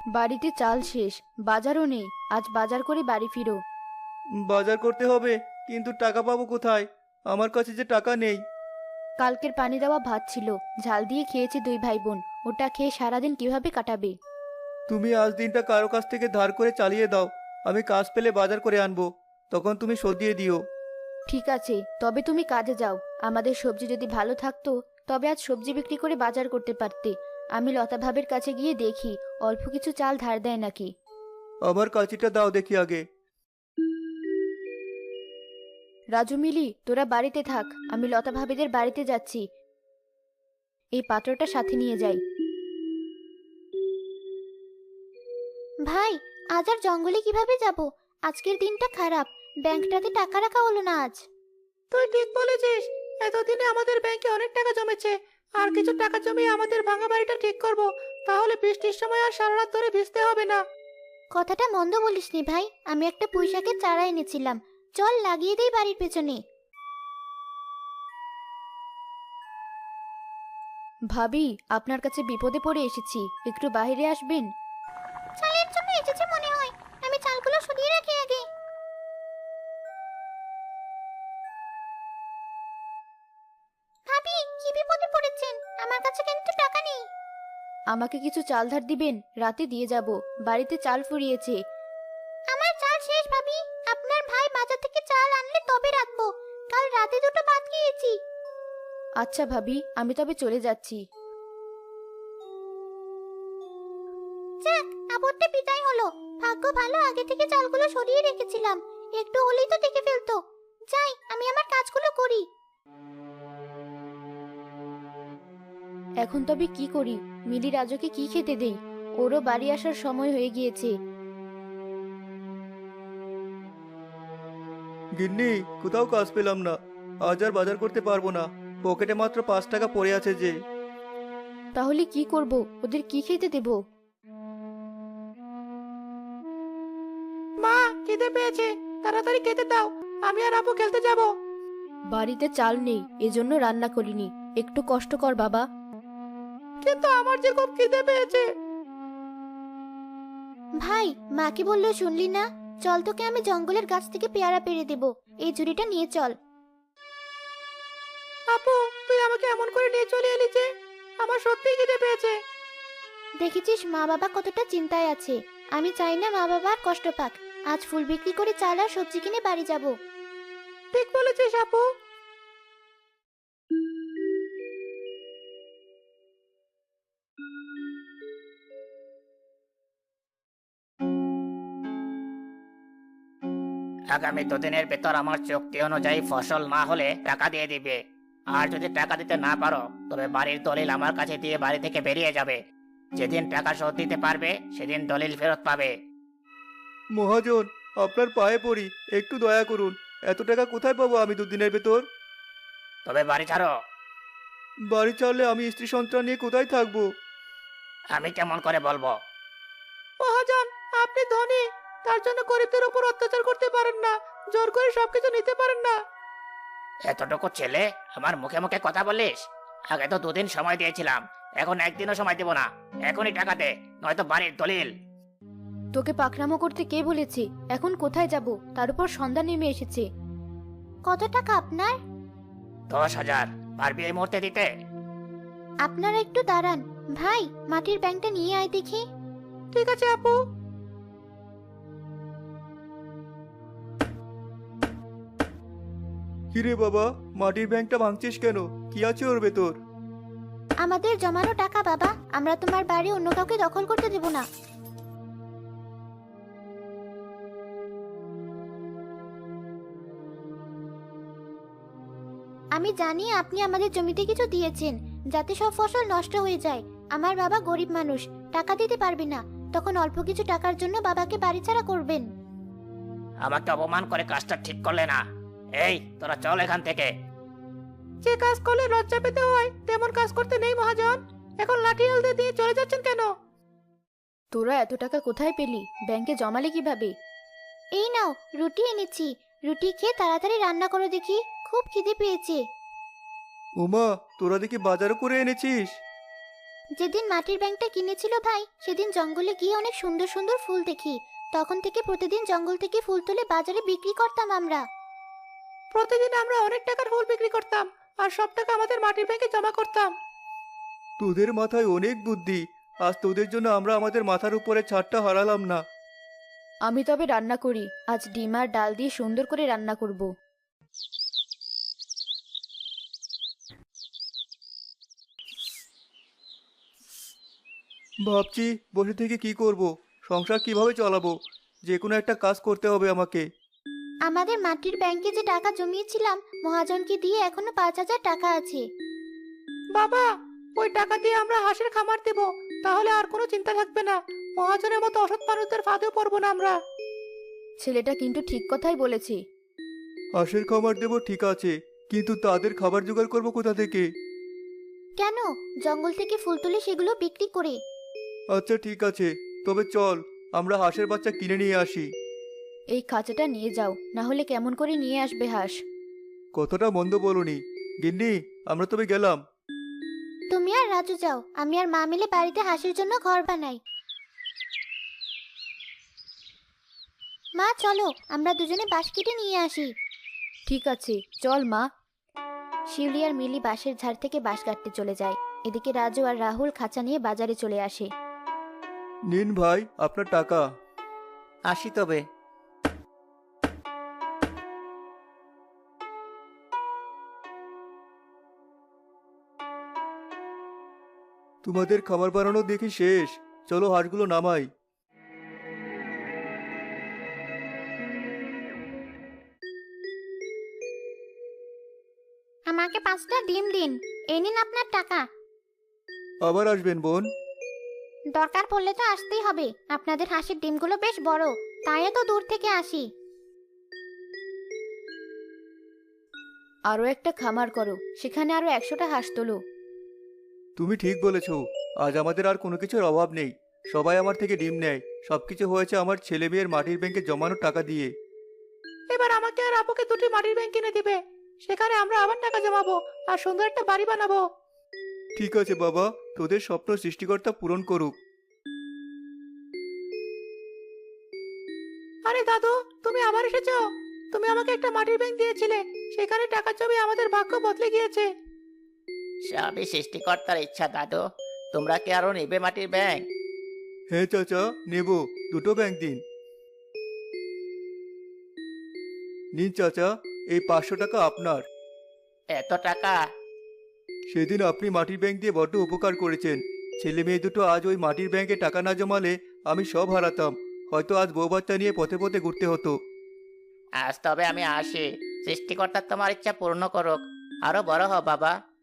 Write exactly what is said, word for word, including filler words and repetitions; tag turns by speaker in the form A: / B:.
A: বাড়িতে চাল শেষ, বাজারও নেই। আজ বাজার করে বাড়ি ফিরো।
B: বাজার করতে হবে, কিন্তু টাকা পাবো কোথায়? আমার কাছে যে টাকা নেই।
A: কালকের পানি দেওয়া ভাত ছিল, ঝাল দিয়ে খেয়েছে দুই ভাই বোন। ওটা খেয়ে সারাদিন কিভাবে কাটাবে?
B: তুমি আজ দিনটা কারো কাছ থেকে ধার করে চালিয়ে দাও। আমি কাজ পেলে বাজার করে আনবো, তখন তুমি শোধ দিয়ে দিও।
A: ঠিক আছে, তবে তুমি কাজে যাও। আমাদের সবজি যদি ভালো থাকতো তবে আজ সবজি বিক্রি করে বাজার করতে পারতে। আমি লতা ভাবের কাছে গিয়ে দেখি অল্প কিছু চাল ধার দেয় নাকি।
B: আমার কাঁচিটা দাও দেখি আগে।
A: রাজু, মিলি, তোরা বাড়িতে থাক, আমি লতা ভাবিদের বাড়িতে যাচ্ছি। এই পাত্রটা সাথে নিয়ে যাই। ভাই, আজ আর জঙ্গলে কিভাবে যাব? আজকের দিনটা খারাপ, ব্যাংকটাতে টাকা রাখা হলো না আজ।
C: তুই ঠিক বলেছিস। এতদিনে আমাদের ব্যাংকে অনেক টাকা জমেছে। আর কিছু টাকা জমিয়ে আমাদের ভাঙা বাড়িটা ঠিক করব। তাহলে বৃষ্টির সময় আর সারা রাত ধরে ভিজতে হবে না।
A: কথাটা মন্দ বলিসনি ভাই, আমি একটা পুঁইশাকের চারা এনেছিলাম। চল লাগিয়ে দেই বাড়ির পেছনে। ভাবি, আপনার কাছে বিপদে পড়ে এসেছি, একটু বাইরে আসবেন? চালের জন্য এসেছে মনে হয়, আমি চালগুলো সরিয়ে রাখি আগে। ভাবি, কি বিপদে পড়েছেন? আমার কাছে কিন্তু টাকা নেই। আমাকে কিছু চাল ধার দিবেন? রাতে দিয়ে যাব, বাড়িতে চাল ফুরিয়েছে। আমার চাল শেষ ভাবি, আপনার ভাই বাজার থেকে চাল আনলে তবে রাখবো। কাল রাতে দুটো ভাত খেয়েছি। আচ্ছা ভাবি, আমি তবে চলে যাচ্ছি। যাক, আপদটা বিদায় হলো। ভাগ্য ভালো, আগে থেকে চালগুলো সরিয়ে রেখেছিলাম। একটু হলেই তো দেখে ফেলতো। যাই, আমি আমার কাজগুলো করি। এখন তবে কি করি? মিলি রাজুকে কি খেতে দেই? ওরও বাড়ি আসার সময় হয়ে গিয়েছে।
B: গিন্নি, কোথাও কাজ পেলাম না। আজ আর বাজার করতে পারবো না। পকেটে মাত্র পাঁচ টাকা পড়ে আছে যে।
A: তাহলে কি করব? ওদের কি খেতে দেব?
C: মা, খিদে পেয়েছে, তাড়াতাড়ি খেতে দাও। আমি আর আপু খেলতে যাব।
A: বাড়িতে চাল নেই, এজন্য রান্না করিনি। একটু কষ্ট কর বাবা।
C: কিন্তু আমার যে খুব খিদে পেয়েছে।
A: ভাই, মাকে বললেও শুনলি না? চল, তোকে আমি জঙ্গলের গাছ থেকে পেয়ারা পেড়ে দেব। এই ঝুড়িটা নিয়ে চল।
C: আপু, তুই আমাকে এমন করে নিয়ে চলে এলি যে? আমার সত্যিই খিদে পেয়েছে।
A: দেখেছিস মা বাবা কতটা চিন্তায় আছে। আমি চাই না মা বাবা আর কষ্ট পাক। আজ ফুল বিক্রি করে চাল আর সবজি কিনে বাড়ি যাব।
C: ঠিক বলেছিস আপু।
D: আগামী দুদিনের ভেতর আমার চুক্তি অনুযায়ী ফসল না হলে টাকা দিয়ে দিবে। আর যদি টাকা দিতে না পারো তবে বাড়ির দলিল আমার কাছে দিয়ে বাড়ি থেকে বেরিয়ে যাবে। যেদিন টাকা শোধ দিতে পারবে সেদিন দলিল ফেরত পাবে।
B: মহাজন, আপনার পায়ে পড়ি, একটু দয়া করুন। এত টাকা কোথায় পাবো আমি দুদিনের ভেতর?
D: তবে বাড়ি ছাড়ো।
B: বাড়ি ছাড়লে আমি স্ত্রী সন্তান নিয়ে কোথায় থাকবো?
D: আমি কেমন করে বলবো?
C: মহাজন, আপনি ধনী, তার জন্য গরিবদের উপর অত্যাচার করতে পারেন না। জোর করে সবকিছু নিতে পারেন না।
D: এতটুকু ছেলে আমার মুখে মুখে কথা বলিস? আগে তো দুদিন সময় দিয়েছিলাম, এখন একদিনও সময় দেব না। এখনই টাকা দে, নয়তো বাড়ির দলিল।
A: তোকে পাকড়ামো করতে কে বলেছে? এখন কোথায় যাব? তার উপর সন্ধ্যা নেমে এসেছে। কত টাকা আপনার?
D: দশ হাজার। পারবি এই মুহূর্তে দিতে?
A: আপনারা একটু দাঁড়ান। ভাই, মাটির ব্যাংকটা নিয়ে আয় দেখি।
C: ঠিক আছে আপু।
B: কিরে বাবা, মাটির ব্যাংকটা ভাঙছিস কেন? কি আছে ওর ভেতর?
A: আমাদের জমানো টাকা বাবা, আমরা তোমার বাড়ি অন্য কাউকে দখল করতে দেব না। আমি জানি আপনি আমাদের জমিতে কিছু দিয়েছেন যাতে সব ফসল নষ্ট হয়ে যায়। আমার বাবা গরিব মানুষ, টাকা দিতে পারবে না। তখন অল্প কিছু টাকার জন্য বাবাকে বাড়ি ছাড়া করবেন?
D: আমাকে অপমান করে কাজটা ঠিক করলে না। এই তোরা চল এখান থেকে।
C: যে কাজ করলে লজ্জা পেতে হয় তেমন কাজ করতে নেই মহাজন। এখন লাঠি হালদে দিয়ে চলে যাচ্ছেন কেন?
A: তোরা এত টাকা কোথায় পেলি? ব্যাংকে জমালে কিভাবে? এই নাও, রুটি এনেছি। রুটি খেয়ে তাড়াতাড়ি রান্না করো দেখি, খুব খিদে পেয়েছে।
B: ওমা, তোরা দেখি বাজারও করে এনেছিস।
A: যেদিন মাটির ব্যাংকটা কিনেছিল ভাই, সেদিন জঙ্গলে গিয়ে অনেক সুন্দর সুন্দর ফুল দেখি। তখন থেকে প্রতিদিন জঙ্গল থেকে ফুল তুলে বাজারে বিক্রি করতাম আমরা।
C: প্রতিদিন আমরা অনেক টাকার ফুল বিক্রি করতাম আর সব টাকা আমাদের মাটির ব্যাংকে জমা করতাম।
B: তোদের মাথায় অনেক বুদ্ধি। আজ তোদের জন্য আমরা আমাদের মাথার উপরে ছাদটা হারালাম না।
A: আমি তবে রান্না করি, আজ ডিম আর ডাল দিয়ে সুন্দর করে রান্না করব।
B: ভাবছি বসে থেকে কি করব, সংসার কিভাবে চালাবো। যে কোনো একটা কাজ করতে হবে আমাকে।
A: আমাদের মাটির ব্যাংকে যে টাকা জমিয়েছিলাম, মহাজনকে দিয়ে এখনো পাঁচ হাজার টাকা আছে।
C: বাবা, ওই টাকা দিয়ে আমরা হাঁসের খামার দেব, তাহলে আর কোনো চিন্তা থাকবে না। মহাজনের মতো অসৎ মানুষদের ফাঁদেও পড়বো না আমরা।
A: ছেলেটা কিন্তু ঠিক কথাই বলেছে।
B: হাঁসের খাবার দেবো ঠিক আছে, কিন্তু তাদের খাবার জোগাড় করবো কোথা থেকে?
A: কেন? জঙ্গল থেকে ফুল তুলে সেগুলো বিক্রি করে।
B: আচ্ছা ঠিক আছে, তবে চল আমরা হাঁসের বাচ্চা কিনে নিয়ে আসি।
A: এই খাঁচাটা নিয়ে যাও, না হলে কেমন করে নিয়ে আসবে হাঁস?
B: কতটা মন্দ বলনি গিন্নি, আমরা তবে গেলাম।
A: তুমি আর রাজু যাও, আমি আর মা মিলে বাড়িতে হাঁসের জন্য ঘর বানাই। মা চলো, আমরা দুজনে বাঁশ কেটে নিয়ে আসি। ঠিক আছে, চল মা। শিউলি আর মিলি বাঁশের ঝাড় থেকে বাঁশ কাটতে চলে যায়। এদিকে রাজু আর রাহুল খাঁচা নিয়ে বাজারে চলে আসে।
B: নিন ভাই আপনার টাকা।
C: আসি তবে।
B: তোমাদের খাবার বানানো দেখি শেষ, চলো হাঁসগুলো নামাই।
A: আমাকে পাঁচটা ডিম দিন, এই নিন আপনার টাকা।
B: আবার আসবেন বোন?
A: দরকার পড়লে তো আসতেই হবে, আপনাদের হাঁসের ডিমগুলো বেশ বড়, তাই এত দূর থেকে আসি। আরো একটা খামার করো, সেখানে আরো একশোটা হাঁস তোলো।
B: তুমি ঠিক বলেছ, আজ আমাদের আর কোনো কিছুর অভাব নেই। সবাই আমার থেকে ডিম নেয়, সবকিছু হয়েছে আমার ছেলে মেয়ের মাটির ব্যাংকে জমানো টাকা দিয়ে।
C: এবার আমাকে আর আপুকে দুটি মাটির ব্যাংক কিনে দিবে, সেখানে আমরা আবার টাকা জমাবো আর সুন্দর একটা বাড়ি বানাবো।
B: ঠিক আছে বাবা, তোদের স্বপ্ন সৃষ্টিকর্তা পূরণ করুক।
C: আরে দাদু, তুমি আবার এসেছো। তুমি আমাকে একটা মাটির ব্যাংক দিয়েছিলে, সেখানে টাকা জমিয়ে আমাদের ভাগ্য বদলে গিয়েছে।
D: সবই সৃষ্টিকর্তার ইচ্ছা দাদু। তোমরা কি আরো নেবে মাটির ব্যাংক?
B: হ্যাঁ চাচা, নেব, দুটো ব্যাংক দিন। নিন চাচা, এই পাঁচশো টাকা আপনার।
D: এত টাকা?
B: সেদিন আপনি মাটির ব্যাংক দিয়ে বড্ড উপকার করেছেন। ছেলে মেয়ে দুটো আজ ওই মাটির ব্যাংকে টাকা না জমালে আমি সব হারাতাম। হয়তো আজ বউ বাচ্চা নিয়ে পথে পথে ঘুরতে হতো।
D: আজ তবে আমি আসি। সৃষ্টিকর্তা তোমার ইচ্ছা পূর্ণ করুক। আরো বড় হও বাবা।